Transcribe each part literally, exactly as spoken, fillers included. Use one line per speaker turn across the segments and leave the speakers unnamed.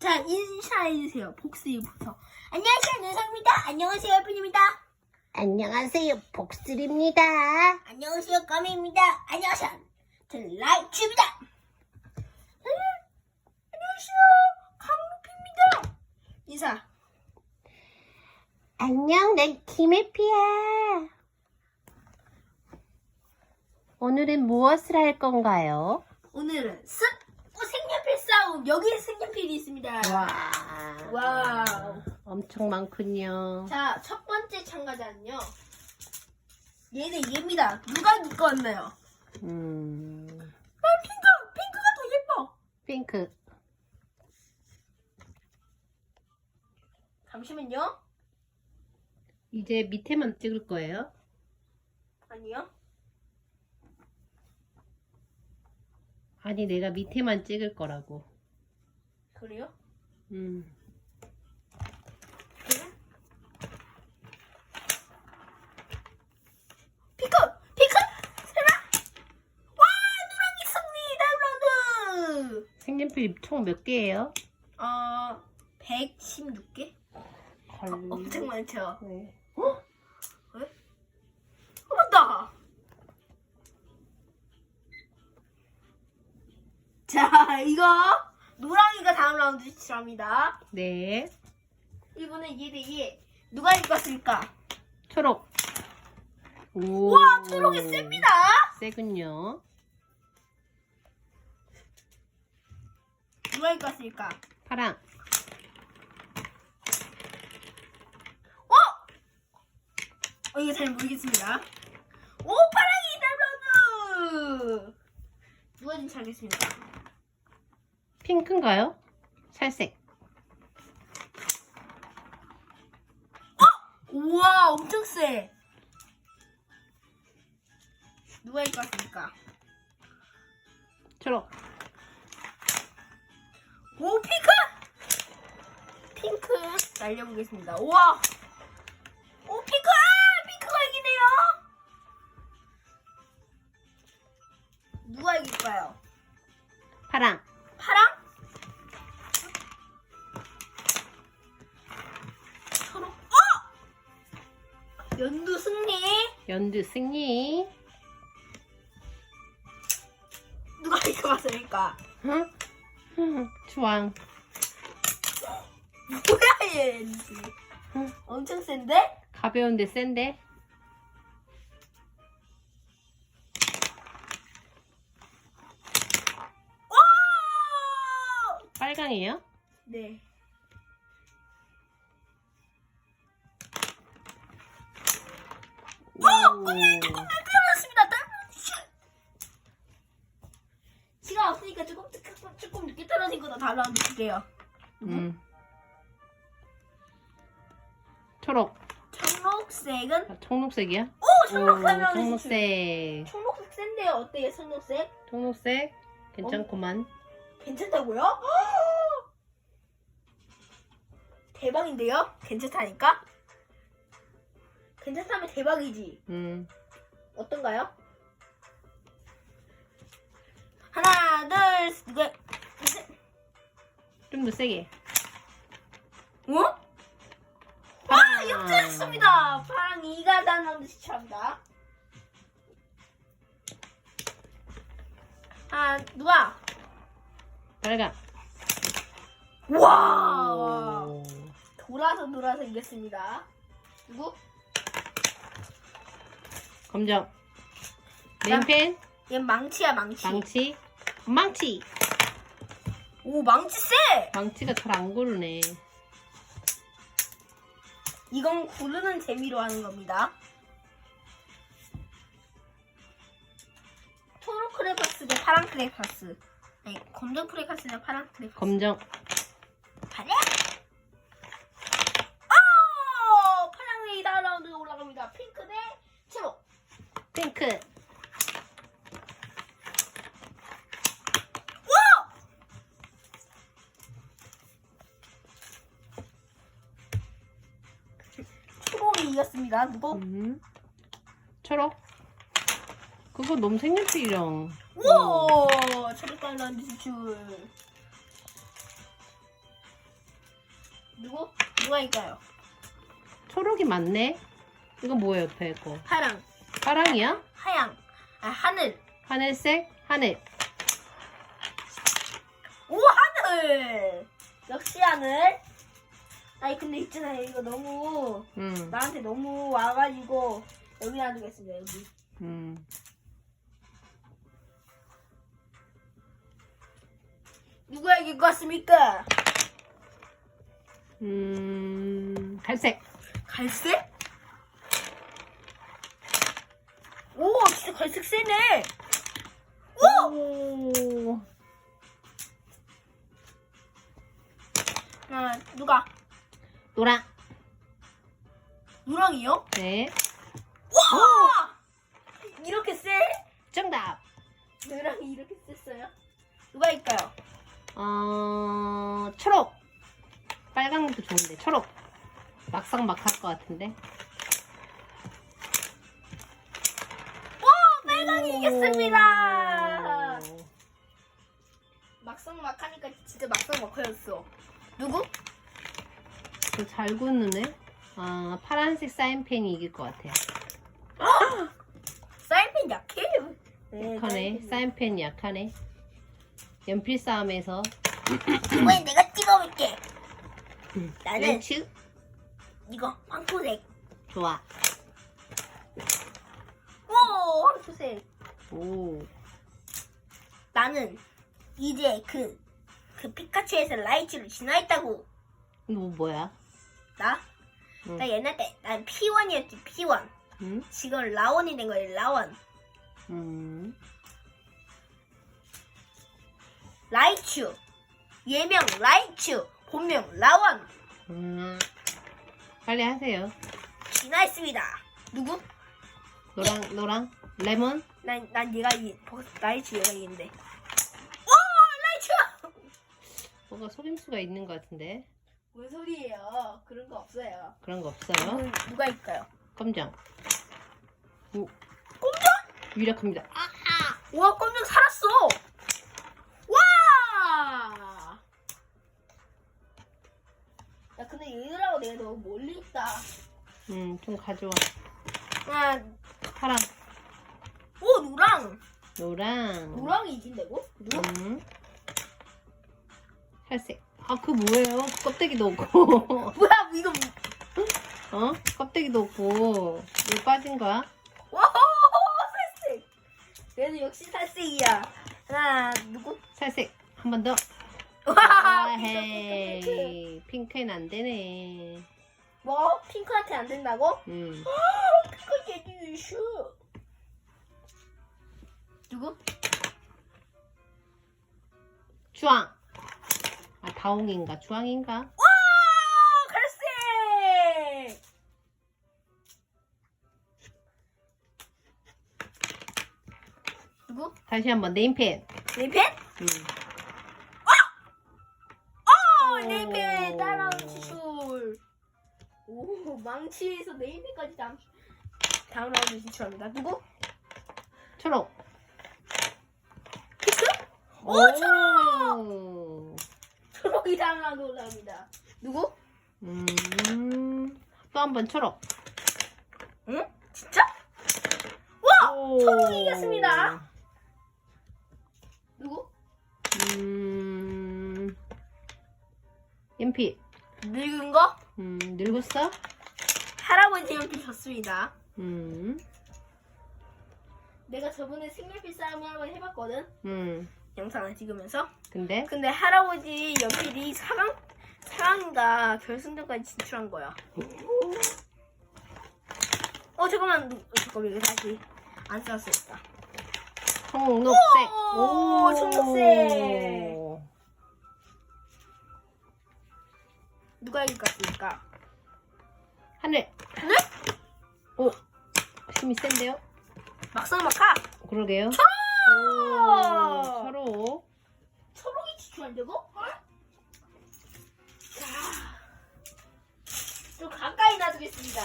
자, 인사해주세요. 복수부터. 안녕하세요, 눈상입니다. 안녕하세요, 예쁜입니다.
안녕하세요, 복슬입니다.
안녕하세요, 까미입니다. 안녕하세요, 저는 라이츠입니다. 음, 안녕하세요, 강루피입니다. 인사.
안녕, 난 김혜피야. 오늘은 무엇을 할 건가요?
오늘은 습 어, 색연필 싸움. 여기에 색연필이 있습니다.
와,
와우.
엄청 많군요.
자, 첫 번째 참가자는요. 얘는 얘입니다. 누가 이거 왔나요?
음,
아, 핑크! 핑크가 더 예뻐!
핑크.
잠시만요.
이제 밑에만 찍을 거예요.
아니요.
아니, 내가 밑에만 찍을 거라고.
그래요?
음.
핑크! 핑크! 세라! 와! 누랑이 승리! 다운로드!
색연필 총 몇 개예요?
어... 백십육 개?
헐.
엄청 많죠?
네.
어? 왜? 어, 맞다! 자, 이거 노랑이가 다음 라운드 시작합니다.
네.
이번엔 얘 대 얘. 누가 이겼을까?
초록. 오.
와, 초록이 셉니다.
세군요.
누가 이겼을까?
파랑.
어? 어, 이거 잘 모르겠습니다. 오, 파랑이 다운로드! 누가 좀 잘겠습니다.
핑크인가요? 살색.
우와, 엄청 세. 누가 이겼을까?
초록.
오, 핑크! 핑크 날려보겠습니다. 우와! 오, 핑크! 아! 핑크가 이기네요! 누가 이길까요?
파랑.
파랑? 초록? 어! 연두 승리!
연두 승리.
누가 이겨봤을까?
응? 응, 주황.
뭐야, 얘!
응.
엄청 센데?
가벼운데 센데?
오!
빨강이에요?
네.
오!
끝났습니다. 시간 없으니까 조금, 조금, 조금 늦게 떨어진 거다 다음 라운드 줄게요.
음. 초록.
청록색은?
아, 청록색이야?
오! 청록색 라운드
청록색.
청록색 센데요. 어때요, 청록색?
청록색. 괜찮구만.
괜찮다고요? 대박인데요? 괜찮다니까? 괜찮다면 대박이지.
음.
어떤가요? 하나, 둘, 셋, 셋.
좀 더 세게.
어? 와, 역전했습니다. 파랑 이가 다음 라운드 시작합니다. 아, 누가?
빨강.
와,
오.
돌아서 돌아서 이겼습니다. 누구?
검정. 맨펜.
얘 망치야, 망치.
망치. 망치.
오, 망치 쎄!
망치가 잘 안 고르네.
이건 고르는 재미로 하는 겁니다. 초록 크레파스 대 파랑 크레파스. 아니, 검정 크레파스 대 파랑 크레파스.
검정.
파랑? 아! 파랑이 다음 라운드가 올라갑니다. 핑크 대 초록.
핑크.
와! 초록이 이겼습니다. 누구?
음. 초록. 그거 너무 색연필이랑.
우와! 초록 다음 라운드 진출. 누구? 누가 이까요?
초록이 맞네. 이거 뭐야 옆에 거?
파랑,
파랑이야?
하양, 아 하늘.
하늘색? 하늘.
오 하늘. 역시 하늘. 아니 근데 있잖아요 이거 너무
음.
나한테 너무 와가지고 여기 놔두겠습니다 여기.
음.
누가 이길 것 같습니까?
음. 갈색.
갈색? 오 진짜 갈색 세네. 오!
오.
아 누가?
노랑.
누랑이요?
네.
와! 이렇게 세?
정답.
누랑이 이렇게 셌어요? 누가 일까요?
어, 초록. 빨강도 좋은데 초록. 막상 막 할 것 같은데.
오! 빨강이 이겼습니다! 막상 막 하니까 진짜 막상 막 하였어. 누구?
잘 굳는 애? 아, 파란색 사인펜이 이길 것 같아요.
사인펜 약해. 네,
약하네. 사인펜이 약하네. 연필 싸움에서
이번엔 내가 찍어볼게. 나는
렌츠
이거 황토색.
좋아.
오 황토색.
오.
나는 이제 그, 그 피카츄에서 라이츠로 진화했다고.
이거 뭐야?
나?
응.
나 옛날 때 난 피원이었지 피원.
응?
지금 라원이 된 거예요 라원.
음.
라이츄. 예명 라이츄. 본명 라원.
음. 빨리 하세요.
진화했습니다. 누구?
노랑 노랑 레몬.
난, 난 얘가 이, 라이츄 얘가 이긴데. 오! 라이츄!
뭐가 속임수가 있는 것 같은데.
뭔 소리예요? 그런 거 없어요.
그런 거 없어요.
누구, 누가 있까요?
검정. 오.
꼼정?
유력합니다.
아! 와, 꼼정 살았어! 와! 야, 근데 얘들하고 내가 너무 멀리 있다.
음, 좀 가져와.
아,
파랑.
오, 노랑!
노랑.
노랑이 이긴다고? 누구?
음. 살색. 아, 그 뭐예요? 껍데기도 없고.
뭐야, 이거.
어? 껍데기도 없고. 왜 빠진 거야?
와, 살색! 얘는 역시 살색이야. 하나, 누구?
살색. 한 번 더.
와,
아,
핑크, 핑크, 핑크.
헤이. 핑크는 안 되네.
뭐? 핑크한테 안 된다고?
음.
핑크 얘기 이슈. 누구?
주황. 아, 다홍인가? 주황인가?
와! 갈색! 누구?
다시 한번 네임펜.
네임펜?
음.
어! 네임펜 따라오는 지출. 오, 망치에서 네임펜까지 다음, 다음 라운드 진출합니다. 누구?
초록.
피크? 오, 초록!
오.
초록이 다음 라운드 올라옵니다. 누구?
음. 또 한 번 초록.
응? 진짜? 와!
오.
초록이 이겼습니다. 누구?
음. 연필.
늙은 거?
음, 늙었어?
할아버지 연필 줬습니다.
음.
내가 저번에 색연필 싸움을 한번 해봤거든.
음.
영상을 찍으면서.
근데
근데 할아버지 연필이 사 강, 사 강인가 결승전까지 진출한 거야. 어 잠깐만, 누- 어, 잠깐만 이거 다시 안 썼었다.
청록색.
오, 청록색. 누가 이길 것 같습니까?
하늘.
하늘?
오. 힘이 센데요?
막상 막하.
그러게요.
초록!
오, 초록.
초록이 지출한다고? 자, 좀 가까이 놔두겠습니다.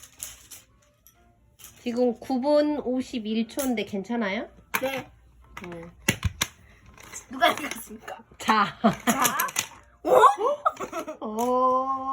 지금 구 분 오십일 초인데 괜찮아요?
네.
음.
누가 이겼습니까?
자.
자, 오?
오.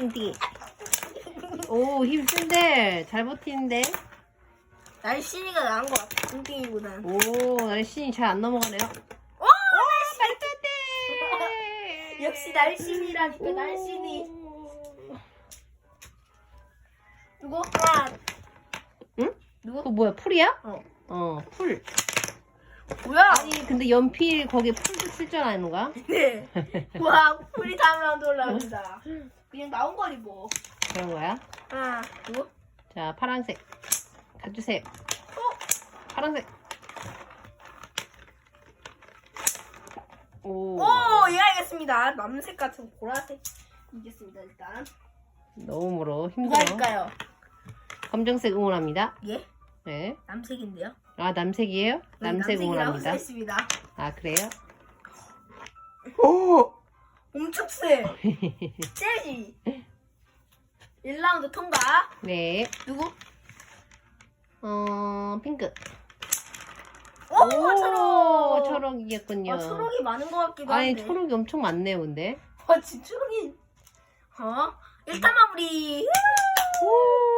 띵띵. 오, 힘 센데. 잘 버티는데.
날씬이가 나은 것 같아. 뚱뚱이보단.
오, 날씬이 잘 안 넘어가네요.
오!
말도 안 돼!
역시 날씬이라니까, 날씬이. 누구? 하나.
응?
누구?
그거 뭐야, 풀이야?
어.
어, 풀.
뭐야?
아니, 근데 연필 거기에 풀도 쓸 줄 아는 거야?
네. 와, 풀이 다음라운드 올라옵니다. 그냥 나온 거니 뭐.
그런 거야?
하나, 누구?
자, 파란색. 가주세요. 파란색. 오.
오, 예, 알겠습니다. 남색 같은 보라색. 이겼습니다, 일단.
너무 멀어.
누가
힘들어.
할까요?
검정색 응원합니다.
예?
네.
남색인데요?
아, 남색이에요?
네,
남색
남색이라고
응원합니다.
써있습니다.
아, 그래요?
오! 엄청 세. 세지. 일 라운드 통과.
네.
누구?
어, 핑크.
오, 초록.
초록 이겼군요.
아, 초록이 많은 것 같기도 한데.
아니, 초록이 엄청 많네요, 근데.
아, 진짜 초록이. 어? 일단 마무리.
오.